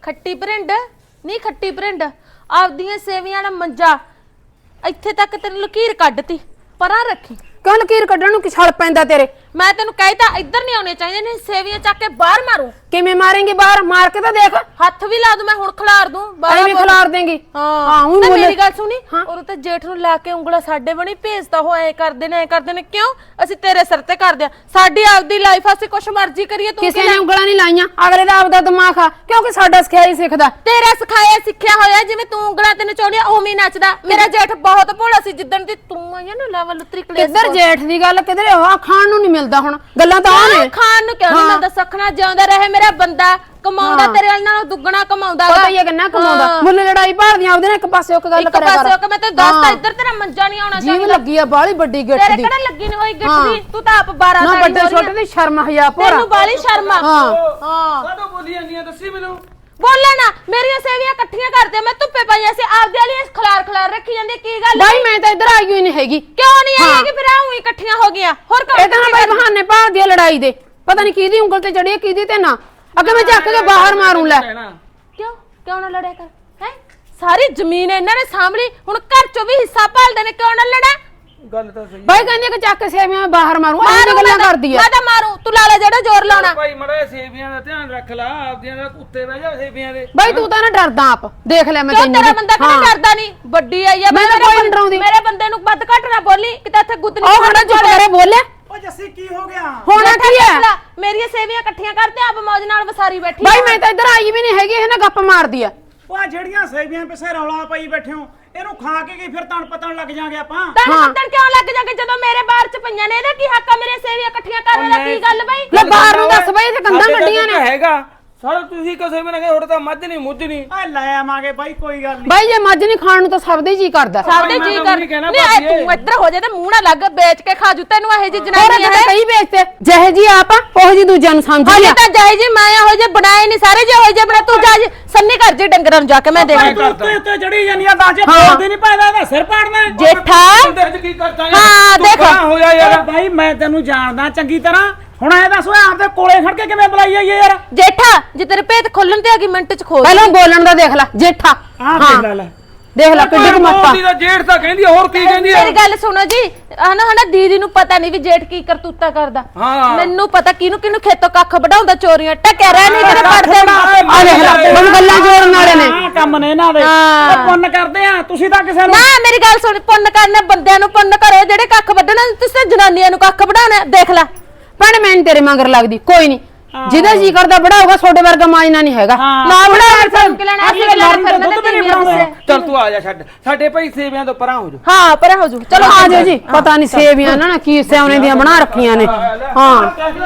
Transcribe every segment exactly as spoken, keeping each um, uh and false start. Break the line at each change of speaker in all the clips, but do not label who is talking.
ਖੱਟੀ ਭਰਿੰਡ ਨਹੀਂ ਖੱਟੀ ਭਰਿੰਡ ਆਪਦੀਆਂ ਸੇਵੀਆਂ ਦਾ ਮੰਜਾ ਇੱਥੇ ਤੱਕ ਤੈਨੂੰ ਲਕੀਰ ਕੱਢਤੀ ਪਰਾਂ ਰੱਖੀ।
ਕਿਉਂ ਲਕੀਰ ਕੱਢਣ ਨੂੰ ਕੀ ਛਲ ਪੈਂਦਾ ਤੇਰੇ?
ਮੈਂ ਤੈਨੂੰ ਕਹਿਤਾ ਇੱਧਰ ਨਹੀਂ ਆਉਣੇ ਚਾਹੀਦੇ ਨੇ ਸੇਵੀਆਂ ਚੱਕ ਕੇ ਬਾਹਰ ਮਾਰੂ।
ਕਿਵੇਂ ਮਾਰੇਂਗੀ ਬਾਹਰ? ਮਾਰ ਕੇ ਤਾਂ ਦੇਖ।
ਹੱਥ ਵੀ ਲਾ ਦੂੰ ਮੈਂ ਹੁਣ ਖਿਲਾਰ ਦੂੰ
ਐਵੇਂ ਖਿਲਾਰ ਦੇਂਗੀ।
ਹਾਂ ਹੁਣ ਮੇਰੀ ਗੱਲ ਸੁਣੀ ਔਰ ਤੇ ਜੇਠ ਨੂੰ ਲਾ ਕੇ ਉਂਗਲਾ ਸਾਡੇ ਬਣੀ ਭੇਜਦਾ ਹੋ ਐ ਕਰਦੇ ਨੇ ਐ ਕਰਦੇ ਨੇ ਕਿਉਂ? ਅਸੀਂ ਤੇਰੇ ਸਿਰ ਤੇ ਕਰਦੇ ਆ ਸਾਡੀ ਆਪਦੀ ਲਾਈਫ ਅਸੀਂ ਕੁਛ ਮਰਜ਼ੀ ਕਰੀਏ ਤੂੰ
ਕਿਸੇ ਨੇ ਉਂਗਲਾਂ ਨਹੀਂ ਲਾਈਆਂ ਅਗਲੇ ਦਾ ਆਪਦਾ ਦਿਮਾਗ ਆ ਕਿਉਂਕਿ ਸਾਡਾ ਸਿਖਾਇਆ ਹੀ ਸਿੱਖਦਾ।
ਤੇਰਾ ਸਿਖਾਇਆ ਸਿੱਖਿਆ ਹੋਇਆ ਜਿਵੇਂ ਤੂੰ ਉਂਗਲਾਂ ਤੇ ਨਚਾਉਣੀਆਂ ਉਵੇਂ ਹੀ ਨੱਚਦਾ। ਮੇਰਾ ਜੇਠ ਬਹੁਤ ਭੋਲਾ ਸੀ ਜਿੱਦਣ ਦੀ ਤੂੰ ਆਈ ਨਾ ਲੈਵਲ ਉਤਰੀ ਕਲੇਸ਼।
ਕਿੱਧਰ ਜੇਠ ਦੀ ਗੱਲ ਕਿਧਰੇ ਆ ਖਾਣ ਨੂੰ ਨਹੀਂ ਮਿਲਦਾ ਹੁਣ ਗੱਲਾਂ ਤਾਂ ਆ ਨੇ।
ਖਾਣ ਨੂੰ ਕਿਉਂ ਨਹੀਂ ਮਿਲਦਾ? ਸਖਣਾ ਜਿਉਂਦਾ ਰਹੇ ਮੇਰਾ ਬੰਦਾ ਕਮਾਉਂਦਾ ਤੇਰੇ ਨਾਲੋਂ ਦੁੱਗਣਾ ਕਮਾਉਂਦਾ
ਪਤਾ ਹੀ ਹੈ ਕਿੰਨਾ ਕਮਾਉਂਦਾ। ਮੁੱਲ ਲੜਾਈ ਭਾਲਦੀਆਂ ਉਹਦੇ ਨਾਲ ਇੱਕ ਪਾਸੇ ਇੱਕ ਗੱਲ ਕਰਿਆ ਕਰ।
ਇੱਕ ਪਾਸੇ ਮੈਂ ਤੇ ਦੱਸਦਾ ਇੱਧਰ ਤੇਰਾ ਮੰਜਾ ਨਹੀਂ ਆਉਣਾ ਚਾਹੀਦਾ।
ਜੀਵ ਲੱਗੀ ਆ ਬਾਲੀ ਵੱਡੀ ਗਿੱਟ ਦੀ।
ਤੇਰੇ ਕਿਹੜਾ ਲੱਗੀ ਨਹੀਂ ਹੋਈ ਗਿੱਟ ਦੀ? ਤੂੰ ਤਾਂ ਆਪ ਬਾਰਾਂ
ਨਾ ਵੱਡੇ ਛੋਟੇ ਦੀ ਸ਼ਰਮ ਹਯਾ ਭੋਰਾ
ਤੈਨੂੰ ਬਾਲੀ ਸ਼ਰਮ ਆ।
ਹਾਂ
ਹਾਂ
ਕਾਹਦੋਂ ਬੋਲੀ ਜਾਂਦੀਆਂ ਦੱਸੀ ਮੈਨੂੰ।
ਬੋਲੇ ਨਾ ਮੇਰੀਆਂ ਸੇਵੀਆਂ ਇਕੱਠੀਆਂ ਕਰਦੇ ਮੈਂ ਧੁੱਪੇ ਪਈਆਂ ਸੀ ਆਪਦੇ ਵਾਲੀਆਂ ਖਲਾਰ ਖਲਾਰ ਰੱਖੀ ਜਾਂਦੀ ਕੀ ਗੱਲ?
ਬਾਈ ਮੈਂ ਤਾਂ ਇੱਧਰ ਆਈ ਹੋਈ ਨਹੀਂ ਹੈਗੀ।
ਕਿਉਂ ਨਹੀਂ ਆਈ ਕਿ ਫਿਰ ਆਉਂ ਇਕੱਠੀਆਂ ਹੋ ਗਈਆਂ ਹੋਰ ਕੰਮ
ਇਹ ਤਾਂ ਬਾਈ ਬਹਾਨੇ ਭਾਲਦੀ ਆ ਲੜਾਈ ਦੇ। ਪਤਾ ਨਹੀਂ ਕਿਹਦੀ ਉਂਗਲ ਤੇ ਚੜੀ ਕਿਹਦੀ ਤੇ ਨਾ। ਅੱਗੇ ਮੈਂ ਚੱਕ ਕੇ ਬਾਹਰ ਮਾਰੂੰ ਲੈ।
ਕਿਉਂ ਕਿਉਂ ਨਾ ਲੜਿਆ ਕਰ ਹੈ? ਸਾਰੀ ਜ਼ਮੀਨ ਇਹਨਾਂ ਨੇ ਸਾਂਭਲੀ ਹੁਣ ਘਰ ਚੋਂ ਵੀ ਹਿੱਸਾ ਭਾਲਦੇ ਨੇ ਕਿਉਂ ਨਾ ਲੜਾ?
ਗੱਲ ਤਾਂ ਸਹੀ
ਬਾਈ ਕਹਿੰਦੀ ਕਿ ਚੱਕ ਸੇਵੀਆਂ ਮੈਂ ਬਾਹਰ ਮਾਰੂੰ ਐਵੇਂ ਗੱਲਾਂ ਕਰਦੀ ਆ।
ਮੈਂ ਤਾਂ ਮਾਰੂ ਤੂੰ ਲਾ ਲੈ ਜਿਹੜਾ ਜ਼ੋਰ ਲਾਉਣਾ।
ਭਾਈ ਮੜਾ ਸੇਵੀਆਂ ਦਾ ਧਿਆਨ ਰੱਖ ਲਾ ਆਪਦੀਆਂ ਦਾ ਉੱਤੇ ਬਹਿ ਜਾ ਸੇਵੀਆਂ ਦੇ।
ਬਾਈ ਤੂੰ ਤਾਂ ਨਾ ਡਰਦਾ ਆਪ ਦੇਖ ਲੈ ਮੈਂ
ਕਿਉਂ
ਤੈਨੂੰ।
ਤੇਰਾ ਬੰਦਾ ਕਿਹੜਾ ਡਰਦਾ ਨਹੀਂ? ਵੱਡੀ ਆਈ ਆ
ਮੈਂ ਤਾਂ ਕੋਈ ਨੀ ਡਰਾਉਂਦੀ।
ਮੇਰੇ ਬੰਦੇ ਨੂੰ ਵੱਧ ਘੱਟ ਨਾ ਬੋਲੀ ਕਿਤੇ ਇੱਥੇ ਗੁੱਤ ਨਹੀਂ
ਉਹ ਖੜਾ ਚੁੱਪ ਕਰੇ ਬੋਲੇ।
ਓ ਜੱਸੀ ਕੀ ਹੋ ਗਿਆ?
ਹੋਣਾ ਕੀ ਹੈ?
ਮੇਰੀਆਂ ਸੇਵੀਆਂ ਇਕੱਠੀਆਂ ਕਰਦੇ ਆਪ ਮੌਜ ਨਾਲ ਵਸਾਰੀ ਬੈਠੀ।
ਬਾਈ ਮੈਂ ਤਾਂ ਇੱਧਰ ਆਈ ਵੀ ਨਹੀਂ ਹੈਗੀ ਇਹ ਨਾ ਗੱਪ ਮਾਰਦੀ ਆ।
ਉਹ ਆ ਜਿਹੜੀਆਂ ਸੇਵੀਆਂ ਪਿੱਛੇ ਰੌਲਾ ਪਈ ਬੈਠੇ ਹੋ ਇਹਨੂੰ ਖਾ ਕੇ ਕੀ ਫਿਰ ਤਣ ਪਤਣ ਲੱਗ ਜਾਾਂਗੇ ਆਪਾਂ।
ਤਣ ਪਤਣ ਕਿਉਂ ਲੱਗ ਜਾਗੇ ਜਦੋਂ ਮੇਰੇ ਬਾਹਰ ਚ ਪਈਆਂ ਨੇ? ਇਹਦਾ ਕੀ ਹੱਕ ਆ ਮੇਰੇ ਸੇਵੀਆਂ ਇਕੱਠੀਆਂ ਕਰਨ ਦਾ? ਕੀ ਗੱਲ ਬਈ?
ਲੈ ਬਾਹਰ ਨੂੰ ਦੱਸ ਬਾਈ ਇੱਥੇ ਕੰਧਾਂ ਗੱਡੀਆਂ ਨੇ।
ਹੈਗਾ ਸਾਰਾ ਤੁਸੀਂ ਕਿਸੇ ਮੈਂ ਕਹੇ ਥੋੜਾ ਤਾਂ ਮੱਝ ਨਹੀਂ ਮੁੱਝ ਨਹੀਂ।
ਆ ਲੈ ਆਵਾਂਗੇ ਬਾਈ ਕੋਈ ਗੱਲ ਨਹੀਂ।
ਬਾਈ ਜੇ ਮੱਝ ਨਹੀਂ ਖਾਣ ਨੂੰ ਤਾਂ ਸਭ ਦੇ ਜੀ ਕਰਦਾ।
ਸਭ ਦੇ ਜੀ ਕਰ ਨਹੀਂ ਤੂੰ ਇੱਧਰ ਹੋ ਜਾ ਤੇ ਮੂੰਹ ਨਾ ਲੱਗ ਵੇਚ ਕੇ ਖਾ ਜੂ ਤੈਨੂੰ ਇਹੋ ਜੀ ਜਨਾਨੀ
ਹੈ ਕਈ ਵੇਚਦੇ ਜਿਹੇ ਜੀ ਆਪ ਆ ਉਹ ਜੀ ਦੂਜਿਆਂ ਨੂੰ ਸਮਝ
ਲਿਆ। ਤਾਂ ਜਿਹੇ ਜੀ ਮੈਂ ਇਹੋ ਜੇ ਬਣਾਏ ਨਹੀਂ ਸਾਰੇ ਜੇ ਹੋਏ ਜੇ ਬਣਾ ਤੂੰ ਜਾ ਸੰਨੀ ਕਰ ਜੀ ਡੰਗਰਾਂ ਨੂੰ ਜਾ ਕੇ ਮੈਂ ਦੇਖ
ਤੂੰ ਉੱਤੇ ਉੱਤੇ ਚੜੀ ਜਾਂਦੀ ਆ ਦਾਜੇ ਬੋਲਦੀ ਨਹੀਂ ਪੈਦਾ ਇਹਦਾ ਸਿਰ ਪਾੜਨਾ
ਜੇਠਾ।
ਕੀ ਕਰਦਾ
ਹਾਂ ਦੇਖ
ਹੋ ਜਾ ਯਾਰ।
ਬਾਈ ਮੈਂ ਤੈਨੂੰ ਜਾਣਦਾ ਚੰਗੀ ਤਰ੍ਹਾਂ ਹੁਣ ਐ ਦੱਸ ਓਏ ਆਪਦੇ ਕੋਲੇ ਖੜ ਕੇ ਕਿਵੇਂ ਬੁਲਾਈ ਆਈਏ ਯਾਰ?
ਜੇਠਾ ਜੇ ਤੇਰੇ ਭੇਤ ਖੋਲਣ ਤੇ ਆ ਗਈ ਮਿੰਟ ਚ ਖੋਲ।
ਪਹਿਲਾਂ ਬੋਲਣ ਦਾ ਦੇਖ ਲੈ ਜੇਠਾ।
ਆਹ ਦੇਖ ਲੈ ਲੈ
ਦੇਖ ਲੈ ਕਿੱਡੀ ਮੱਤਾ।
ਦੀ ਦਾ ਜੇਠ ਤਾਂ ਕਹਿੰਦੀ ਹੋਰ ਕੀ ਕਹਿੰਦੀ ਆ?
ਮੇਰੀ ਗੱਲ ਸੁਣੋ ਜੀ ਹਨਾ ਹਨਾ ਦੀਦੀ ਨੂੰ ਪਤਾ ਨਹੀਂ ਵੀ ਜੇਠ ਕੀ ਕਰਤੂਤਾ ਕਰਦਾ। ਮੈਨੂੰ ਪਤਾ ਕਿਹਨੂੰ ਕਿਹਨੂੰ ਖੇਤੋਂ ਕੱਖ ਵਢਾਉਂਦਾ ਚੋਰੀਆਂ ਟੱਕਿਆ ਰਹਿ ਨਹੀਂ ਤੇਰੇ ਪਰਦੇ
ਆ ਦੇਖ ਲੈ ਮੈਨੂੰ ਗੱਲਾਂ ਜੋੜਨ ਵਾਲੇ ਨੇ।
ਆਹ ਕੰਮ ਨੇ ਇਹਨਾਂ ਦੇ ਉਹ ਪੁੰਨ ਕਰਦੇ ਆ ਤੁਸੀਂ ਤਾਂ ਕਿਸੇ ਨੂੰ
ਨਾ ਮੇਰੀ ਗੱਲ ਸੁਣ ਪੁੰਨ ਕਰਨੇ ਬੰਦਿਆਂ ਨੂੰ ਪੁੰਨ ਕਰੋ ਜਿਹੜੇ ਕੱਖ ਵੱਢਣਾ ਤੁਸੀਂ ਜਨਾਨੀਆਂ ਨੂੰ ਕੱਖ ਵਢਾਉਣਾ ਦੇਖ ਲੈ।
ਭੈਣੇ ਮੈਂ ਤੇਰੇ ਮਗਰ ਲੱਗਦੀ ਕੋਈ ਨਹੀਂ ਜਿਹਦਾ ਜੀ ਕਰਦਾ ਬੜਾਊਗਾ ਤੁਹਾਡੇ ਵਰਗਾ ਮਾਜਨਾ ਨਹੀਂ ਹੈਗਾ
ਨਾ ਬੜਾ ਫਰਕ ਲੈਣਾ ਅਸੀਂ ਲੜਨ ਫਿਰਨਾ।
ਚੱਲ ਤੂੰ ਆ ਜਾ ਛੱਡ ਸਾਡੇ ਭਾਈ ਸੇਵੀਆਂ ਤੋਂ ਪਰਾਂ ਹੋ ਜਾ।
ਹਾਂ ਪਰਾਂ ਹੋ ਜੂ
ਚਲੋ ਆ ਜਾਓ ਜੀ। ਪਤਾ ਨਹੀਂ ਸੇਵੀਆਂ ਨਾ ਕੀ ਸਿਆਉਣੇ ਦੀਆਂ ਬਣਾ ਰੱਖੀਆਂ ਨੇ। ਹਾਂ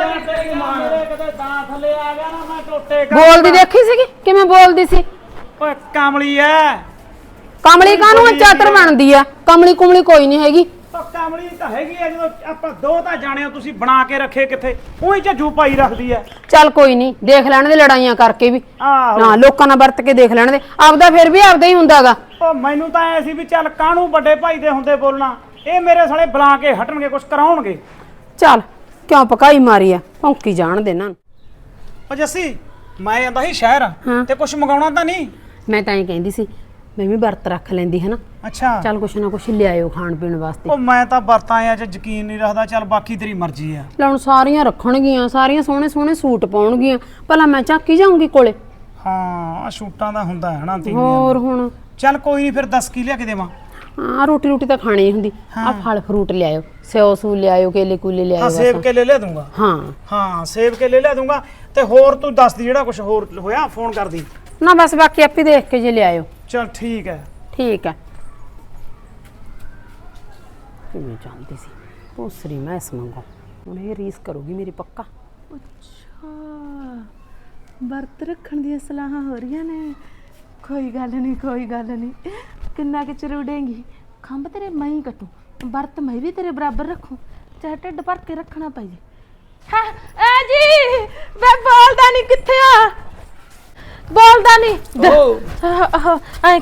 ਬੋਲਦੀ ਦੇਖੀ ਸੀਗੀ ਕਿਵੇਂ ਬੋਲਦੀ ਸੀ?
ਓਏ ਕਾਮਲੀ ਐ।
ਕਮਲੀ ਕਾਹਨੂੰ ਚਾਤਰ ਬਣਦੀ ਆ? ਕਮਲੀ ਕੁਮਲੀ ਕੋਈ ਨਹੀਂ ਹੈਗੀ।
ਉਹ ਕਾਮਲੀ ਤਾਂ ਹੈਗੀ ਆ ਜਦੋਂ ਆਪਾਂ ਦੋ ਤਾਂ ਜਾਣੇ ਹੋ ਤੁਸੀਂ ਬਣਾ ਕੇ ਰੱਖੇ ਕਿੱਥੇ ਉਹੀ ਝੱਜੂ ਪਾਈ ਰੱਖਦੀ ਐ।
ਚੱਲ ਕੋਈ ਨਹੀਂ ਦੇਖ ਲੈਣ ਦੇ ਲੜਾਈਆਂ ਕਰਕੇ ਵੀ
ਆਹੋ
ਨਾ ਲੋਕਾਂ ਨਾਲ ਵਰਤ ਕੇ ਦੇਖ ਲੈਣ ਦੇ ਆਪਦਾ ਫਿਰ ਵੀ ਆਪਦਾ ਹੀ ਹੁੰਦਾਗਾ।
ਉਹ ਮੈਨੂੰ ਤਾਂ ਐ ਸੀ ਵੀ ਚੱਲ ਕਾਹਨੂੰ ਵੱਡੇ ਭਾਈ ਦੇ ਹੁੰਦੇ ਬੋਲਣਾ ਇਹ ਮੇਰੇ ਸਾਲੇ ਬੁਲਾ ਕੇ ਹਟਣਗੇ ਕੁਝ ਕਰਾਉਣਗੇ।
ਚੱਲ ਕਿਉਂ ਪਕਾਈ ਮਾਰੀ ਆ ਭੌਂਕੀ ਜਾਣ ਦੇ ਇਹਨਾਂ ਨੂੰ।
ਉਹ ਜੱਸੀ ਮੈਂ ਆਂਦਾ ਸੀ ਸ਼ਹਿਰ ਤੇ ਕੁਝ ਮੰਗਾਉਣਾ ਤਾਂ ਨਹੀਂ?
ਮੈਂ ਤਾਂ ਇਹ ਕਹਿੰਦੀ ਸੀ ਮੈਂ ਵੀ ਵਰਤ ਰੱਖ ਲੈਂਦੀ ਹੈ ਨਾ।
ਅੱਛਾ
ਚੱਲ ਕੁਛ ਨਾ ਕੁਛ ਲਿਆਇਓ ਖਾਣ ਪੀਣ ਵਾਸਤੇ।
ਉਹ ਮੈਂ ਤਾਂ ਵਰਤਾਂ ਆ ਚ ਯਕੀਨ ਨਹੀਂ ਰੱਖਦਾ ਚੱਲ ਬਾਕੀ ਤੇਰੀ ਮਰਜ਼ੀ ਆ।
ਲੈ ਹੁਣ ਸਾਰੀਆਂ ਰੱਖਣਗੀਆਂ ਸਾਰੀਆਂ ਸੋਹਣੇ ਸੋਹਣੇ ਸੂਟ ਪਾਉਣਗੀਆਂ ਭਲਾ ਮੈਂ ਚੱਕ ਹੀ ਜਾਊਂਗੀ ਕੋਲੇ।
ਹਾਂ ਆ ਸ਼ੂਟਾਂ ਦਾ ਹੁੰਦਾ ਹੈ ਨਾ ਤੀਵੀਆਂ।
ਹੋਰ ਹੁਣ
ਚੱਲ ਕੋਈ ਨਹੀਂ ਫਿਰ ਦੱਸ ਕੀ ਲਿਆ ਕੇ ਦੇਵਾਂ?
ਹਾਂ ਰੋਟੀ ਰੋਟੀ ਤਾਂ ਖਾਣੀ ਹੁੰਦੀ ਆ ਫਲ ਫਰੂਟ ਲਿਆਇਓ ਸਿਓ ਸੂ ਲਿਆਇਓ ਕੇਲੇ ਕੂਲੇ
ਹਾਂ
ਲਿਆਇਓ।
ਸੇਬ ਕੇ ਲੈ ਲੈ ਦੂੰਗਾ।
ਹਾਂ
ਹਾਂ ਸੇਬ ਕੇ ਲੈ ਲੈ ਦੂੰਗਾ ਤੇ ਹੋਰ ਤੂੰ ਦੱਸ ਦੀ ਜਿਹੜਾ ਕੁਝ ਹੋਰ ਹੋਇਆ ਫੋਨ ਕਰਦੀ।
ਨਾ ਬਸ ਬਾਕੀ ਆਪੇ ਦੇਖ ਕੇ ਜੇ ਲਿਆਇਓ।
ਚੱਲ ਠੀਕ ਹੈ
ਠੀਕ ਹੈ। ਕਿਵੇਂ ਜਾਂਦੀ ਸੀ ਭੂਸਰੀ ਮੈਂ ਇਸ ਮੰਗੋ ਹੁਣ ਇਹ ਰੀਸ ਕਰੂਗੀ ਮੇਰੀ ਪੱਕਾ।
ਅੱਛਾ ਵਰਤ ਰੱਖਣ ਦੀਆਂ ਸਲਾਹਾਂ ਹੋ ਰਹੀਆਂ ਨੇ। ਕੋਈ ਗੱਲ ਨਹੀਂ ਕੋਈ ਗੱਲ ਨਹੀਂ ਕਿੰਨਾ ਕਿ ਚਰੂੜੇਂਗੀ ਖੰਭ ਤੇਰੇ ਮੈਂ ਹੀ ਕੱਟੂ ਵਰਤ ਮੈਂ ਵੀ ਤੇਰੇ ਬਰਾਬਰ ਰੱਖੂ ਚਾਹੇ ਢਿੱਡ ਭਰ ਕੇ ਰੱਖਣਾ ਪਈ। ਹਾਂ ਐ ਜੀ ਮੈਂ ਬੋਲਦਾ ਨਹੀਂ ਕਿੱਥੇ ਆ ਬੋਲਦਾ ਨਹੀਂ ਐਂ ਕਰ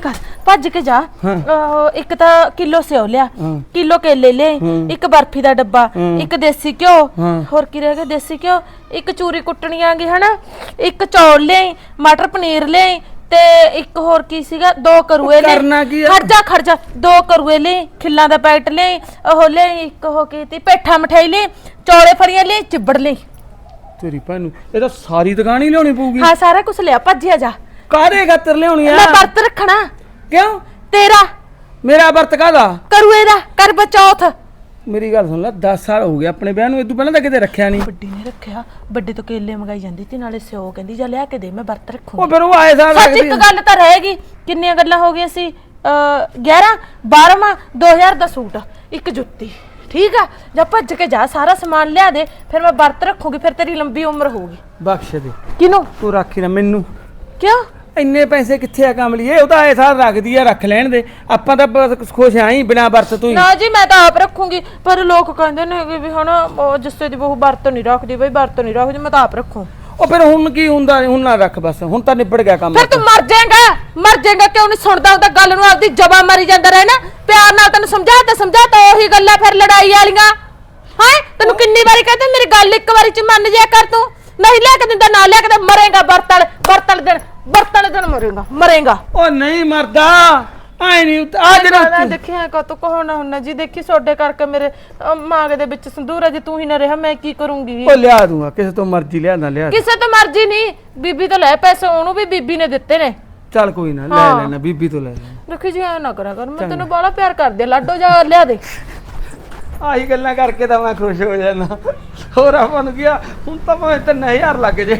ਭੱਜ ਕੇ ਜਾ ਅਹ, ਇੱਕ ਤਾਂ ਕਿਲੋ ਸਿਓ ਲਿਆ ਕਿਲੋ ਕੇਲੇ ਲੈ ਇੱਕ ਬਰਫੀ ਦਾ ਡੱਬਾ ਇੱਕ ਦੇਸੀ ਘਿਓ ਹੋਰ ਕੀ ਰਹਿ ਗਿਆ ਦੇਸੀ ਘਿਓ ਇੱਕ ਚੂਰੀ ਕੁੱਟਣੀ ਆਂਗੀ ਹਨਾ ਇੱਕ ਚੌਲ ਲੈ ਮਟਰ ਪਨੀਰ ਲੈ ਤੇ ਇੱਕ ਹੋਰ ਕੀ ਸੀਗਾ ਦੋ ਕਰੂਏ ਲੈ
ਕਰਨਾ ਕੀ ਆ?
ਖਰਜਾ ਖਰਜਾ ਦੋ ਕਰੂਏ ਲੈ ਖਿੱਲਾਂ ਦਾ ਪੈਕਟ ਲੈ ਉਹ ਲੈ ਇੱਕ ਉਹ ਕੀਤੀ ਪੇਠਾ ਮਠਾਈ ਲੈ ਚੌਲੇ ਫੜੀਆਂ ਲੈ ਚਿੱਬੜ ਲੈ
ਤੇਰੀ ਭੈਣ ਨੂੰ ਇਹ ਤਾਂ ਸਾਰੀ ਦੁਕਾਨ ਹੀ ਲਿਆਉਣੀ ਪਊਗੀ
ਹਾਂ ਸਾਰਾ ਕੁਝ ਲਿਆ ਭੱਜਿਆ ਜਾ
ਕਾਹਦੇ ਖਾਤਰ ਲਿਆਉਣੀ ਆ
ਮੈਂ ਵਰਤ ਰੱਖਣਾ
ਕਿਉਂ
ਤੇਰਾ
ਮੇਰਾ ਵਰਤ ਕਾਹਦਾ
ਕਰੂਏ ਦਾ ਕਰ ਬਚੌਥ
ਮੇਰੀ ਗੱਲ ਸੁਣ ਲੈ ਦਸ ਸਾਲ ਹੋ ਗਏ ਆਪਣੇ ਵਿਆਹ ਨੂੰ ਇਦੋਂ ਪਹਿਲਾਂ ਤਾਂ ਕਿਤੇ ਰੱਖਿਆ ਨਹੀਂ
ਵੱਡੀ ਨੇ ਰੱਖਿਆ ਵੱਡੇ ਤੋਂ ਕੇਲੇ ਮੰਗਾਈ ਜਾਂਦੀ ਤੇ ਨਾਲੇ ਸਿਓ ਕਹਿੰਦੀ ਜਾ ਲਿਆ ਕੇ ਦੇ ਮੈਂ ਵਰਤ ਰੱਖੂੰਗੀ
ਉਹ ਫਿਰ ਉਹ ਆਏ ਸਾਲ
ਸੱਚ
ਰੱਖਦੀ
ਇੱਕ ਗੱਲ ਤਾਂ ਰਹੇਗੀ ਕਿੰਨੀਆਂ ਗੱਲਾਂ ਹੋ ਗਈਆਂ ਸੀ ਗਿਆਰਾਂ ਬਾਰ੍ਹਾਂ ਦੋ ਹਜ਼ਾਰ ਦਾ ਸੂਟ ਇੱਕ ਜੁੱਤੀ ਠੀਕ ਆ ਜਾਂ ਭੱਜ ਕੇ ਜਾ ਸਾਰਾ ਸਮਾਨ ਲਿਆ ਦੇ ਫਿਰ ਮੈਂ ਵਰਤ ਰੱਖੂਗੀ ਫਿਰ ਤੇਰੀ ਲੰਬੀ ਉਮਰ ਹੋਊਗੀ
ਬਖਸ਼ ਦੇ
ਕਿਨੂੰ
ਤੂੰ ਰੱਖੀ ਨਾ ਮੈਨੂੰ
ਕਿਉਂ
ਇੰਨੇ ਪੈਸੇ ਕਿੱਥੇ ਆ ਕਮਲੀਏ ਉਹ ਤਾਂ ਆਏ ਸਾਲ ਰੱਖਦੀ ਆ ਰੱਖ ਲੈਣ ਦੇ ਆਪਾਂ ਤਾਂ ਬਸ ਖੁਸ਼ ਆਂ ਹੀ ਬਿਨਾ ਵਰਤ ਤੋਂ ਹੀ
ਨਾ ਜੀ ਮੈਂ ਤਾਂ ਆਪ ਰੱਖੂੰਗੀ ਪਰ ਲੋਕ ਕਹਿੰਦੇ ਨੇ ਕਿ ਵੀ ਹੁਣ ਉਹ ਜਿੱਸੇ ਦੀ ਬਹੂ ਵਰਤ ਨਹੀਂ ਰੱਖਦੀ ਬਈ ਵਰਤ ਨਹੀਂ ਰੱਖਦੀ ਮੈਂ ਤਾਂ ਆਪ ਰੱਖੂ
ਉਹ ਫਿਰ ਹੁਣ ਕੀ ਹੁੰਦਾ ਹੁਣ ਨਾ ਰੱਖ ਬਸ ਹੁਣ ਤਾਂ ਨਿਬੜ ਗਿਆ ਕੰਮ
ਫਿਰ ਤੂੰ ਮਰ ਜਾਏਗਾ ਮਰ ਜਾਏਗਾ ਕਿਉਂ ਨਹੀਂ ਸੁਣਦਾ ਉਹਦਾ ਗੱਲ ਨੂੰ ਆਪਦੀ ਜਬਾ ਮਾਰੀ ਜਾਂਦਾ ਰਹਿ ਨਾ ਪਿਆਰ ਨਾਲ ਤੈਨੂੰ ਸਮਝਾਤਾ ਸਮਝਾਤਾ ਉਹੀ ਗੱਲਾਂ ਫਿਰ ਲੜਾਈ ਵਾਲੀਆਂ ਹਾਂ ਤੈਨੂੰ ਕਿੰਨੀ ਵਾਰੀ ਕਹਿੰਦੇ ਮੇਰੀ ਗੱਲ ਇੱਕ ਵਾਰੀ ਚ ਮੰਨ ਜਾ ਕਰ ਤੂੰ ਨਹੀਂ ਲੈ ਕੇ ਦਿੰਦਾ ਨਾ ਲੈ ਕੇ ਮਰੇਗਾ ਵਰਤਲ ਵਰਤਲ ਦਿਨ ਵਰਤਲ ਦਿਨ ਮਰੇਗਾ ਮਰੇਗਾ
ਉਹ ਨਹੀਂ ਮਰਦਾ ਆਏ ਨਹੀਂ ਆ ਜਿਹੜਾ
ਦੇਖਿਆ ਕਾ ਤੂੰ ਕਹੋ ਨਾ ਹੁੰਨਾ ਜੀ ਦੇਖੀ ਸੋਡੇ ਕਰਕੇ ਮੇਰੇ ਮਾਂਗ ਦੇ ਵਿੱਚ ਸੰਦੂਰ ਹੈ ਜੇ ਤੂੰ ਹੀ ਨਾ ਰਿਹਾ ਮੈਂ ਕੀ ਕਰੂੰਗੀ
ਉਹ ਲਿਆ ਦੂੰਗਾ ਕਿਸੇ ਤੋਂ ਮਰਜ਼ੀ ਲਿਆ ਨਾ ਲਿਆ
ਕਿਸੇ ਤੋਂ ਮਰਜ਼ੀ ਨਹੀਂ ਬੀਬੀ ਤੋਂ ਲੈ ਪੈਸੇ ਉਹਨੂੰ ਵੀ ਬੀਬੀ ਨੇ ਦਿੱਤੇ ਨੇ
ਚੱਲ ਕੋਈ ਨਾ ਲੈ ਲੈਣਾ ਬੀਬੀ ਤੋਂ ਲੈ ਲੈਣਾ
ਦੇਖੀ ਜੀ ਐ ਨਾ ਕਰਿਆ ਕਰ ਮੈਂ ਤੈਨੂੰ ਬੜਾ ਪਿਆਰ ਕਰਦੀ ਆ ਲਾਡੋ ਜਾ ਲਿਆ ਦੇ
ਆਹੀ ਗੱਲਾਂ ਕਰਕੇ ਤਾਂ ਮੈਂ ਖੁਸ਼ ਹੋ ਜਾਣਾ ਹੋਰ ਆਪਾਂ ਨੂੰ ਗਿਆ ਹੁਣ ਤਾਂ ਭਾਵੇਂ ਤਿੰਨ ਹਜ਼ਾਰ ਲੱਗ ਜੇ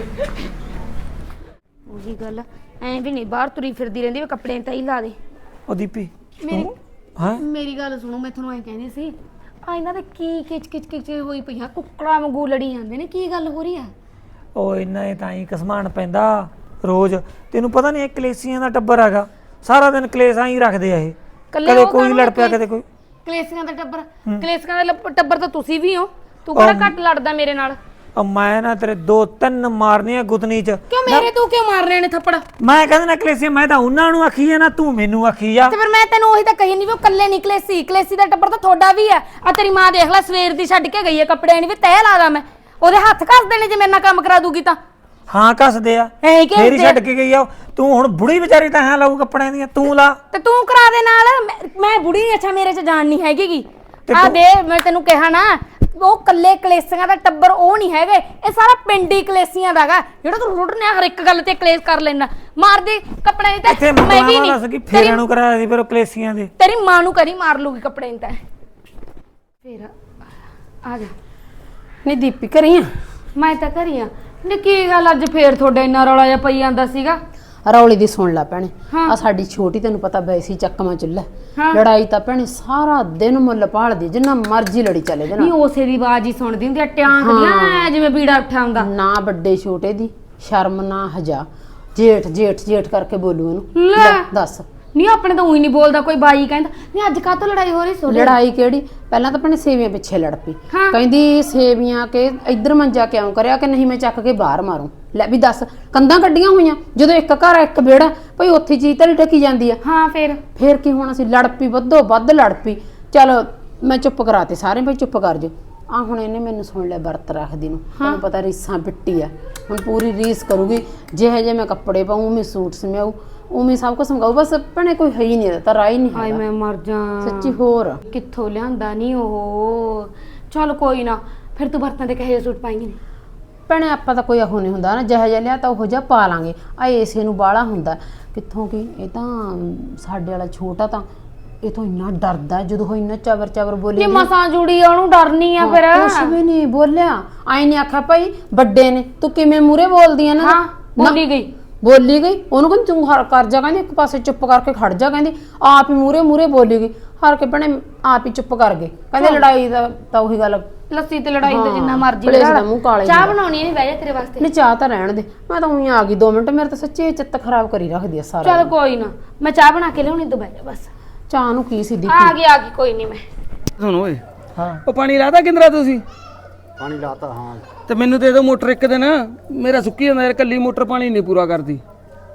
ਉਹੀ ਗੱਲ ਐ ਵੀ ਨਹੀਂ ਬਾਹਰ ਤੁਰੀ ਫਿਰਦੀ ਰਹਿੰਦੀ ਵੀ ਕੱਪੜੇ ਤਾਂ ਹੀ ਲਾ ਦੇ
ਉਹ ਦੀਪੀ
ਮੇਰੀ
ਹਾਂ
ਮੇਰੀ ਗੱਲ ਸੁਣੋ ਮੈਂ ਤੁਹਾਨੂੰ ਐ ਕਹਿੰਦੀ ਸੀ ਆ ਇਹਨਾਂ ਦੇ ਕੀ ਕਿਚ ਕਿਚ ਕਿਚ ਹੋਈ ਪਈਆਂ ਕੁੱਕੜਾਂ ਵਾਂਗੂ ਲੜੀ ਜਾਂਦੇ ਨੇ ਕੀ ਗੱਲ ਹੋ ਰਹੀ ਆ
ਉਹ ਇੰਨਾ ਇਹ ਤਾਂ ਹੀ ਕਸਮਾਨ ਪੈਂਦਾ ਰੋਜ਼ ਤੈਨੂੰ ਪਤਾ ਨਹੀਂ ਇਹ ਕਲੇਸੀਆਂ ਦਾ ਟੱਬਰ ਹੈਗਾ ਸਾਰਾ ਦਿਨ ਕਲੇਸ਼ ਆਈ ਰੱਖਦੇ ਆ ਇਹ ਕਦੇ ਕੋਈ ਲੜ ਪਿਆ ਕਦੇ ਕੋਈ
ਕਲੇਸੀਆਂ ਦਾ ਟੱਬਰ ਕਲੇਸੀਆਂ ਦਾ ਲੱਪ- ਟੱਬਰ ਤਾਂ ਤੁਸੀਂ ਵੀ ਹੋ ਤੂੰ ਕਿਹੜਾ ਘੱਟ ਲੜਦਾ ਮੇਰੇ ਨਾਲ
ਉਹ ਮੈਂ ਨਾ ਤੇਰੇ ਦੋ ਤਿੰਨ ਮਾਰਨੀਆਂ ਗੁੱਤਨੀ ਚ
ਕਿਉਂ ਮੇਰੇ ਤੂੰ ਕਿਉਂ ਮਾਰ ਰਹੇ ਨੇ ਥੱਪੜ
ਮੈਂ ਕਹਿੰਦਾ ਨਾ ਕਲੇਸੀਆਂ ਮੈਂ ਤਾਂ ਉਹਨਾਂ ਨੂੰ ਆਖੀ ਆ ਨਾ ਤੂੰ ਮੈਨੂੰ ਆਖੀ ਆ
ਤੇ ਫਿਰ ਮੈਂ ਤੈਨੂੰ ਉਹੀ ਤਾਂ ਕਹੀ ਨਹੀਂ ਵੀ ਉਹ ਕੱਲੇ ਨਿਕਲੇ ਸੀ ਕਲੇਸੀ ਦਾ ਟੱਬਰ ਤਾਂ ਤੁਹਾਡਾ ਵੀ ਆ ਆ ਤੇਰੀ ਮਾਂ ਦੇਖ ਲੈ ਸਵੇਰ ਦੀ ਛੱਡ ਕੇ ਗਈ ਹੈ ਕੱਪੜਿਆਂ ਨਹੀਂ ਵੀ ਤੈਅ ਲਾਦਾ ਮੈਂ ਉਹਦੇ ਹੱਥ ਘਸਦੇ ਨੇ ਜੇ ਮੇਰੇ ਨਾਲ ਕੰਮ ਕਰਾ ਦੂਗੀ ਤਾਂ
ਹਾਂ ਕੱਸਦੇ ਆ
ਐਂ ਕਿ
ਫੇਰ ਹੀ ਛੱਡ ਕੇ ਗਈ ਆ ਉਹ। ਤੂੰ ਹੁਣ ਬੁੜੀ ਵਿਚਾਰੀ ਤਾਂ ਹਾਂ ਲਾਊ ਕੱਪੜਿਆਂ ਦੀਆਂ ਤੂੰ ਲਾ
ਤੇ ਤੂੰ ਕਰਾ ਦੇ ਨਾਲ ਮੈਂ- ਮੈਂ ਬੁੜੀ ਨੀ, ਅੱਛਾ ਮੇਰੇ ਚ ਜਾਨ ਨਹੀਂ ਹੈਗੀਗੀ ਆ ਦੇ ਮੈਂ ਤੈਨੂੰ ਕਿਹਾ ਨਾ ਉਹ ਕੱਲੇ ਕਲੇਸੀਆਂ ਦਾ ਟੱਬਰ ਉਹ ਨਹੀਂ ਹੈਗੇ ਇਹ ਸਾਰਾ ਪਿੰਡ ਹੀ ਕਲੇਸੀਆਂ ਦਾਗਾ ਜਿਹੜਾ ਤੂੰ ਰੁੱਟਨੇ ਹਰ ਇੱਕ ਗੱਲ ਤੇ ਕਲੇਸ਼ ਕਰ ਲੈਣਾ ਮਾਰ ਦੇ ਕੱਪੜੇ ਦੀ
ਇੱਥੇ
ਤਾਂ ਮੈਂ ਵੀ
ਮੰਗਵਾ
ਨਹੀਂ
ਦੱਸ ਕਿ ਫੇਰਾਂ ਨੂੰ ਕਰਾਇਆ ਸੀ ਫਿਰ ਉਹ ਕਲੇਸੀਆਂ ਦੇ
ਤੇਰੀ ਮਾਂ ਨੂੰ ਕਰੀ ਮਾਰ ਲੂਗੀ ਕੱਪੜੇ ਦੀ ਤਾਂ ਫੇਰ ਆ ਜਾ ਨਹੀਂ ਦੀਪੀ ਕਰੀ ਆ ਮੈਂ ਤਾਂ ਕਰੀ ਆ ਨੀ ਕੀ ਗੱਲ ਅੱਜ ਫੇਰ ਤੁਹਾਡਾ ਇੰਨਾ ਰੌਲਾ ਜਿਹਾ ਪਈ ਜਾਂਦਾ ਸੀਗਾ
ਰੌਲੀ ਦੀ ਸੁਣ ਲੈ ਭੈਣੇ ਆ ਸਾਡੀ ਛੋਟੀ ਤੈਨੂੰ ਪਤਾ ਬੈਸੀ ਚੱਕਵਾਂ ਚੁੱਲ੍ਹਾ ਲੜਾਈ ਤਾਂ ਭੈਣੇ ਸਾਰਾ ਦਿਨ ਮੁੱਲ ਭਾਲਦੀ ਜਿੰਨਾ ਮਰਜ਼ੀ ਲੜੀ ਚੱਲੇ ਜਨਾ
ਨਹੀਂ ਉਸੇ ਦੀ ਆਵਾਜ਼ ਹੀ ਸੁਣਦੀ ਹੁੰਦੀ ਆ ਟਿਆਂਕ ਦੀਆਂ ਜਿਵੇਂ ਬੀੜਾ ਉੱਠਿਆ ਹੁੰਦਾ
ਨਾ ਵੱਡੇ ਛੋਟੇ ਦੀ ਸ਼ਰਮ ਨਾ ਹਜਾ ਜੇਠ ਜੇਠ ਜੇਠ ਕਰਕੇ ਬੋਲੂ ਇਹਨੂੰ
ਲੈ
ਦੱਸ
ਨਹੀਂ ਆਪਣੇ ਤਾਂ ਉਹੀ ਨਹੀਂ ਬੋਲਦਾ ਕੋਈ ਬਾਈ ਕਹਿੰਦਾ ਨਹੀਂ ਅੱਜ ਕਾਹ ਤੋਂ ਲੜਾਈ ਹੋ ਰਹੀ ਸੋਡੇ
ਲੜਾਈ ਕਿਹੜੀ ਪਹਿਲਾਂ ਤਾਂ ਭੈਣੇ ਸੇਵੀਆਂ ਪਿੱਛੇ ਲੜ ਪਈ ਕਹਿੰਦੀ ਸੇਵੀਆਂ ਕੇ ਇੱਧਰ ਮੰਜਾ ਕਿਉਂ ਕਰਿਆ ਕਿ ਨਹੀਂ ਮੈਂ ਚੱਕ ਕੇ ਬਾਹਰ ਮਾਰੂੰ ਲੈ ਵੀ ਦੱਸ ਕੰਧਾਂ ਕੱਢੀਆਂ ਹੋਈਆਂ ਜਦੋਂ ਇੱਕ ਘਰ ਇੱਕ ਵਿਹੜਾ ਭਈ ਉੱਥੇ ਚੀਜ਼ ਤਾਂ ਢਕੀ ਜਾਂਦੀ ਆ
ਹਾਂ ਫੇਰ
ਫੇਰ ਕੀ ਹੋਣਾ ਸੀ ਲੜ ਪਈ ਵੱਧੋ ਵੱਧ ਲੜ ਪਈ ਚਲ ਮੈਂ ਚੁੱਪ ਕਰਾਤੇ ਸਾਰੇ ਭਈ ਚੁੱਪ ਕਰ ਜਾ ਆ ਹੁਣ ਇਹਨੇ ਮੈਨੂੰ ਸੁਣ ਲਿਆ ਵਰਤ ਰੱਖਦੀ ਨੂੰ ਤੁਹਾਨੂੰ ਪਤਾ ਰੀਸਾਂ ਪਿੱਟੀ ਆ ਹੁਣ ਪੂਰੀ ਰੀਸ ਕਰੂਗੀ ਜਿਹੇ ਜੇ ਮੈਂ ਕੱਪੜੇ ਪਾਉਂ ਮੈਂ ਸੂਟ ਸਮਿਆਉ ਉਵੇਂ ਸਭ ਕੁਝ ਸਮਗਾਉ ਬਸ ਭੈਣੇ ਕੋਈ ਹੈ ਹੀ ਨਹੀਂ ਤਾਂ ਰਾਈ ਨਹੀਂ
ਹਾਏ ਮੈਂ ਮਰ ਜਾ
ਸੱਚੀ ਹੋਰ
ਕਿੱਥੋਂ ਲਿਆਂਦਾ ਨਹੀਂ ਉਹ ਚਲ ਕੋਈ ਨਾ ਫਿਰ ਤੂੰ ਬਰਤਨ ਦੇ ਕਹੇ ਸੂਟ ਪਾਏਂਗੀ ਨਹੀਂ
ਭੈਣੇ ਆਪਾਂ ਤਾਂ ਕੋਈ ਇਹੋ ਨਹੀਂ ਹੁੰਦਾ ਨਾ ਜਿਹੋ ਜਿਹਾ ਲਿਆ ਤਾਂ ਉਹੋ ਜਿਹਾ ਪਾ ਲਾਂਗੇ ਆ ਏਸੇ ਨੂੰ ਬਾਹਲਾ ਹੁੰਦਾ ਕਿੱਥੋਂ ਕੀ ਇਹ ਤਾਂ ਸਾਡੇ ਵਾਲਾ ਛੋਟਾ ਤਾਂ ਇਹ ਤੋਂ ਇੰਨਾ ਡਰਦਾ ਜਦੋਂ ਉਹ ਇੰਨਾ ਚਵਰ ਚਵਰ ਬੋਲੀ
ਜੇ ਮਸਾਂ ਜੁੜੀ ਆ ਉਹਨੂੰ ਡਰਨੀ ਆ ਫਿਰ
ਕੁਛ ਵੀ ਨਹੀਂ ਬੋਲਿਆ ਆਈ ਨਹੀਂ ਆਖਿਆ ਭਾਈ ਵੱਡੇ ਨੇ ਤੂੰ ਕਿਵੇਂ ਮੂਰੇ ਬੋਲਦੀ ਆ ਨਾ
ਹਾਂ ਬੋਲੀ ਗਈ
ਬੋਲੀ ਗਈ ਉਹਨੂੰ ਕਹਿੰਦੀ ਤੂੰ ਹਰ ਕਰ ਜਾ ਕਹਿੰਦੀ ਇੱਕ ਪਾਸੇ ਚੁੱਪ ਕਰਕੇ ਖੜ ਜਾ ਕਹਿੰਦੀ ਆਪ ਹੀ ਮੂਰੇ ਮੂਰੇ ਬੋਲੀ ਗਈ ਹਰ ਕੇ ਭੈਣੇ ਆਪ ਹੀ ਚੁੱਪ ਕਰ ਗਏ ਕਹਿੰਦੇ ਲੜਾਈ ਦਾ ਤਾਂ ਉਹੀ ਗੱਲ
ਲੱਸੀ ਤੇ ਲੜਾਈ ਤੇ ਜਿੰਨਾ ਮਰਜ਼ੀ
ਪਲੇਸ ਦਾ ਮੂੰਹ ਕਾਲੇ
ਚਾਹ ਬਣਾਉਣੀ ਨਹੀਂ ਬਹਿ ਜਾ ਤੇਰੇ ਵਾਸਤੇ
ਨਹੀਂ ਚਾਹ ਤਾਂ ਰਹਿਣ ਦੇ ਮੈਂ ਤਾਂ ਉਹੀ ਆ ਗਈ ਦੋ ਮਿੰਟ ਮੇਰੇ ਤਾਂ ਸੱਚੀ ਚਿੱਤ ਖਰਾਬ ਕਰੀ ਰੱਖਦੀ ਆ ਸਾਰਾ
ਚਲ ਕੋਈ ਨਾ ਮੈਂ ਚਾਹ ਬਣਾ ਕੇ ਲਿਆਉਣੀ ਤੂੰ ਬਹਿ ਜਾ ਬਸ
ਚਾਹ ਨੂੰ ਕੀ ਸਿੱਧੀ
ਆ ਗਈ ਆ ਗਈ ਕੋਈ ਨਹੀਂ ਮੈਂ
ਸੁਣ ਓਏ
ਹਾਂ
ਉਹ ਪਾਣੀ ਲਾਤਾ ਕਿੰਦਰਾ ਤੁਸੀਂ
ਪਾਣੀ ਲਾਤਾ ਹਾਂ
ਤੇ ਮੈਨੂੰ ਦੇ ਦਿਓ ਮੋਟਰ ਇੱਕ ਦਿਨ ਮੇਰਾ ਸੁੱਕੀ ਜਾਂਦਾ ਯਾਰ ਕੱਲੀ ਮੋਟਰ ਪਾਣੀ ਨਹੀਂ ਪੂਰਾ ਕਰਦੀ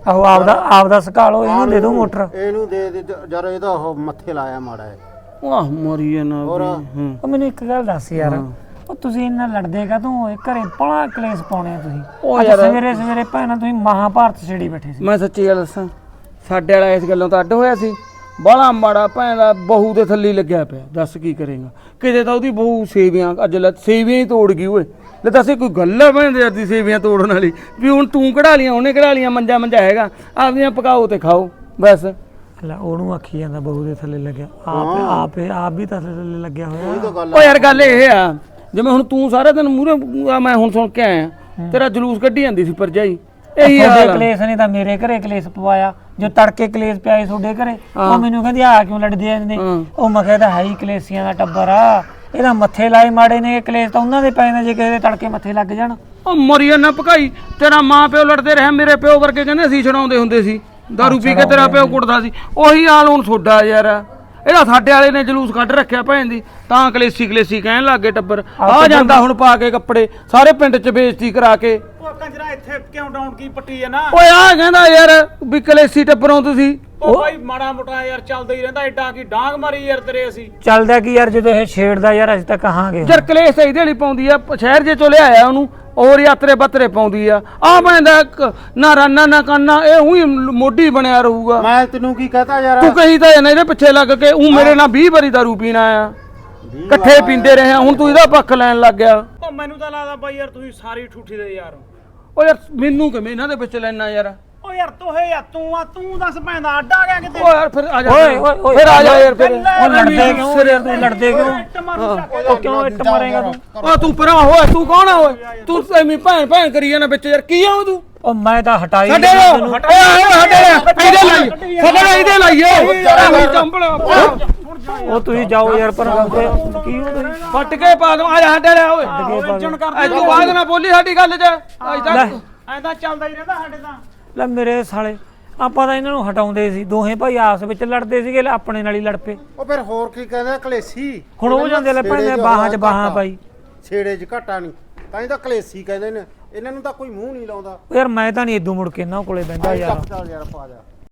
ਆਹੋ ਆਪਦਾ ਆਪਦਾ ਸਕਾ ਲਓ ਇਹਨੂੰ ਦੇ ਦਿਓ ਮੋਟਰ।
ਇਹਨੂੰ ਦੇ ਦੇ ਜਰ ਇਹਦਾ ਉਹ ਮੱਥੇ ਲਾਇਆ ਮਾੜਾ ਹੈ।
ਵਾਹ ਮਰੀ ਜਾਣਾ
ਹੋਰ
ਹੂੰ
ਉਹ ਮੈਨੂੰ ਇੱਕ ਗੱਲ ਦੱਸ ਯਾਰ, ਉਹ ਤੁਸੀਂ ਇੰਨਾ ਲੜਦੇ ਕਾ ਤੂੰ ਘਰੇ ਬੜਾ ਕਲੇਸ਼ ਪਾਉਣੇ ਆ ਤੁਸੀਂ।
ਉਹ
ਅੱਜ
ਯਾਰ-
ਸਵੇਰੇ ਸਵੇਰੇ ਭੈਣਾ ਤੁਸੀਂ ਮਹਾਭਾਰਤ ਛੇੜੀ ਬੈਠੇ ਸੀ।
ਮੈਂ ਸੱਚੀ ਗੱਲ ਦੱਸਾਂ, ਸਾਡੇ ਵਾਲਾ ਇਸ ਗੱਲੋਂ ਤਾਂ ਅੱਡ ਹੋਇਆ ਸੀ। ਬਾਹਲਾ ਮਾੜਾ ਭੈਣ ਦਾ ਬਹੂ ਦੇ ਥੱਲੇ ਲੱਗਿਆ ਪਿਆ, ਦੱਸ ਕੀ ਕਰੇਗਾ। ਕਿਤੇ ਤਾਂ ਉਹਦੀ ਬਹੂ ਸੇਵੀਆਂ ਅੱਜ ਲੈ ਸੇਵੀਆਂ ਹੀ ਤੋੜ ਗਈ ਓਏ। ਲੈ ਦੱਸ ਇਹ ਕੋਈ ਗੱਲ ਹੈ ਭੈਣ ਦੇ ਯਾਰ ਦੀ ਸੇਵੀਆਂ ਤੋੜਨ ਵਾਲੀ? ਵੀ ਹੁਣ ਤੂੰ ਕਢਾ ਲੀਆਂ ਉਹਨੇ ਕਢਾ ਲੀਆਂ, ਮੰਜਾ ਮੰਜਾ ਹੈਗਾ, ਆਪਦੀਆਂ ਪਕਾਓ ਤੇ ਖਾਓ ਬਸ।
ਲੈ ਉਹਨੂੰ ਆਖੀ ਜਾਂਦਾ ਬਹੂ ਦੇ ਥੱਲੇ ਲੱਗਿਆ, ਆਪ ਆਪ ਆਪ ਵੀ ਤਾਂ ਥੱਲੇ ਲੱਗਿਆ ਹੋਇਆ।
ਓ ਯਾਰ ਗੱਲ ਇਹ ਆ, ਜਿਵੇਂ ਹੁਣ ਤੂੰ ਸਾਰਾ ਦਿਨ ਮੂਹਰੇ ਮੈਂ ਹੁਣ ਸੁਣ ਕੇ ਆਇਆ, ਤੇਰਾ ਜਲੂਸ ਕੱਢੀ ਜਾਂਦੀ ਸੀ ਭਰਜਾਈ, ਇਹੀ ਹਾਲ
ਤੁਹਾਡੇ
ਆ।
ਕਲੇਸ਼ ਨੇ ਤਾਂ ਮੇਰੇ ਘਰੇ ਕਲੇਸ਼ ਪਵਾਇਆ। ਜੋ ਤੜਕੇ ਕਲੇਸ਼ ਪਿਆਏ ਤੁਹਾਡੇ ਘਰੇ, ਉਹ ਮੈਨੂੰ ਕਹਿੰਦੀ ਆ ਕਿਉਂ ਲੜਦੇ ਜਾਂਦੇ। ਉਹ ਮੈਂ ਕਹਿੰਦਾ ਹੈ ਹੀ ਕਲੇਸ਼ੀਆਂ ਦਾ ਟੱਬਰ ਆ, ਇਹਦਾ ਮੱਥੇ ਲਾਏ ਮਾੜੇ ਨੇ, ਇਹ ਕਲੇਸ਼ ਤਾਂ ਉਹਨਾਂ ਦੇ ਪਏ ਨੇ ਜੇ ਕਿਸੇ ਦੇ ਤੜਕੇ ਮੱਥੇ ਲੱਗ ਜਾਣ।
ਉਹ ਮਰੀਆ ਨਾ ਭਕਾਈ, ਤੇਰਾ ਮਾਂ ਪਿਓ ਲੜਦੇ ਰਹੇ, ਮੇਰੇ ਪਿਓ ਵਰਗੇ ਕਹਿੰਦੇ ਅਸੀਂ ਛਡਾਉਂਦੇ ਹੁੰਦੇ ਸੀ, ਦਾਰੂ ਪੀ ਕੇ ਤੇਰਾ ਪਿਓ ਕੁੱਟਦਾ ਸੀ। ਉਹੀ ਹਾਲ ਹੁਣ ਤੁਹਾਡਾ ਯਾਰ, ਇਹਦਾ ਸਾਡੇ ਵਾਲੇ ਨੇ ਜਲੂਸ ਕੱਢ ਰੱਖਿਆ ਭੈਣ ਦੀ, ਤਾਂ ਕਲੇਸੀ ਕਲੇਸੀ ਕਹਿਣ ਲੱਗ ਗਏ ਟੱਬਰ। ਆ ਜਾਂਦਾ ਹੁਣ ਪਾ ਕੇ ਕੱਪੜੇ ਸਾਰੇ ਪਿੰਡ 'ਚ ਬੇਇੱਜ਼ਤੀ ਕਰਾ ਕੇ।
ਉਹ ਕੰਜਰਾ ਇੱਥੇ ਕਿਉਂ ਡਾਊਨ ਕੀ ਪੱਟੀ ਹੈ ਨਾ?
ਓਏ ਆ ਕਹਿੰਦਾ ਯਾਰ ਵੀ ਕਲੇਸੀ ਟੱਬਰੋਂ ਤੁਸੀਂ।
ਉਹ ਬਾਈ ਮਾੜਾ ਮੋਟਾ ਯਾਰ ਚੱਲਦਾ ਹੀ ਰਹਿੰਦਾ, ਐਡਾ ਕੀ ਡਾਂਗ ਮਾਰੀ ਯਾਰ ਤੇਰੇ ਅਸੀਂ।
ਚੱਲਦਾ ਕੀ ਯਾਰ, ਜਦੋਂ ਇਹ ਛੇੜਦਾ ਯਾਰ ਅਸੀਂ ਤਾਂ ਕਹਾਂਗੇ।
ਯਾਰ ਕਲੇਸ਼ ਇਹਦੇ ਲਈ ਪਾਉਂਦੀ ਆ, ਸ਼ਹਿਰ ਜੇ ਚੋਂ ਲਿਆਇਆ ਉਹਨੂੰ, ਔਰ ਯਾਤਰੇ ਬੱਤਰੇ ਪਾਉਂਦੀ ਆ। ਆ ਬੰਦਾ ਨਾ ਰਾਨਾ ਨਾ ਕਾਨਾ, ਇਹ ਉਹੀ ਮੋਢੀ ਬਣਿਆ ਰਹੂਗਾ।
ਮੈਂ ਤੈਨੂੰ ਕੀ ਕਹਤਾ ਯਾਰ,
ਤੂੰ ਕਹੀ ਤਾਂ ਇਹਨੇ ਇਹਦੇ ਪਿੱਛੇ ਲੱਗ ਕੇ ਉਹ ਮੇਰੇ ਨਾਲ ਵੀਹ ਵਾਰੀ ਦਾਰੂ ਪੀਣਾ ਆ, ਇਕੱਠੇ ਪੀਂਦੇ ਰਹੇ ਆ, ਹੁਣ ਤੂੰ ਇਹਦਾ ਪੱਖ ਲੈਣ ਲੱਗ ਗਿਆ।
ਉਹ ਮੈਨੂੰ ਤਾਂ ਲੱਗਦਾ ਬਾਈ ਯਾਰ ਤੁਸੀਂ ਸਾਰੀ ਠੂਠੀ ਦੇ ਯਾਰ।
ਓ ਯਾਰ ਮੈਨੂੰ ਕਿਵੇਂ ਇਹਨਾਂ ਦੇ ਵਿੱਚ ਲੈਣਾ ਯਾਰ।
ਉਹ ਯਾਰ ਤੋਹੇ ਯਾਰ ਤੂੰ ਆ ਤੂੰ ਦੱਸ ਪੈਂਦਾ ਅੱਡ ਆ ਗਿਆ ਕਿਤੇ।
ਓ ਯਾਰ ਫਿਰ ਆ ਜਾ,
ਓਏ ਓਏ ਓਏ
ਫਿਰ ਆ ਜਾ ਯਾਰ ਫਿਰ।
ਉਹ ਲੜਦੇ ਕਿਉਂ ਯਾਰ, ਤੂੰ ਲੜਦੇ ਕਿਉਂ?
ਇੱਟ ਮਾਰੂ ਚੱਕ ਕੇ।
ਉਹ ਕਿਉਂ ਇੱਟ ਮਾਰੇਗਾ ਤੂੰ?
ਓ ਤੂੰ ਪਰਾਂ ਹੋਏ, ਤੂੰ ਕੌਣ ਆ ਓਏ? ਤੂੰ ਐਵੇਂ ਭੈਣ ਭੈਣ ਕਰੀ ਜਾਂਦਾ ਵਿੱਚ ਯਾਰ, ਕੀ ਆ ਤੂੰ?
ਉਹ ਮੈਂ ਤਾਂ ਹਟਾਈ
ਸਾਡੇ
ਨਹੀਂ
ਓਏ
ਤੈਨੂੰ।
ਓਏ ਸਾਡੇ ਇਹਦੇ ਲਾਈ, ਸਾਡੇ ਇਹਦੇ ਲਾਈਏ ਐਵੇਂ ਚੰਬਲ
ਉਹ ਤੁਸੀਂ ਜਾਓ ਯਾਰ ਪਰ ਕੀ ਹੋ ਤੁਸੀਂ
ਫੱਟ ਕੇ ਪਾ ਦੂੰ। ਆ ਜਾ ਸਾਡੇ ਲੈ ਓਏ,
ਇੱਜਣ ਕਰਦੇ
ਐ ਤੂੰ ਬਾਅਦ ਨਾ ਬੋਲੀ ਸਾਡੀ ਗੱਲ 'ਚ ਅੱਜ ਤੱਕ।
ਐਂਦਾ ਚੱਲਦਾ ਹੀ ਰਹਿੰਦਾ ਸਾਡੇ ਤਾਂ।
ਲੈ ਮੇਰੇ ਸਾਲੇ, ਆਪਾਂ ਤਾਂ ਇਹਨਾਂ ਨੂੰ ਹਟਾਉਂਦੇ ਸੀ, ਦੋਹੇ ਭਾਈ ਆਪਸ ਵਿੱਚ ਲੜਦੇ ਸੀਗੇ, ਲੈ ਆਪਣੇ ਨਾਲ ਹੀ ਲੜ ਪਏ।
ਉਹ ਫਿਰ ਹੋਰ ਕੀ ਕਹਿੰਦਾ ਕਲੇਸੀ।
ਹੁਣ ਉਹ ਜਾਂਦੇ ਲੈ ਭੈਣੇ ਬਾਹਾਂ 'ਚ ਬਾਹਾਂ ਪਾਈ।
ਛੇੜੇ 'ਚ ਘਾਟਾ ਨਹੀਂ, ਤਾਂ ਹੀ ਤਾਂ ਕਲੇਸੀ ਕਹਿੰਦੇ ਨੇ। ਇਹਨਾਂ ਨੂੰ ਤਾਂ ਕੋਈ ਮੂੰਹ ਨਹੀਂ ਲਾਉਂਦਾ।
ਯਾਰ ਮੈਂ ਤਾਂ ਨਹੀਂ ਇਦੋਂ ਮੁੜ ਕੇ ਇਹਨਾਂ ਕੋਲੇ ਬਹਿੰਦਾ ਯਾਰ।
ਚੱਲ ਯਾਰ ਪਾ ਜਾ।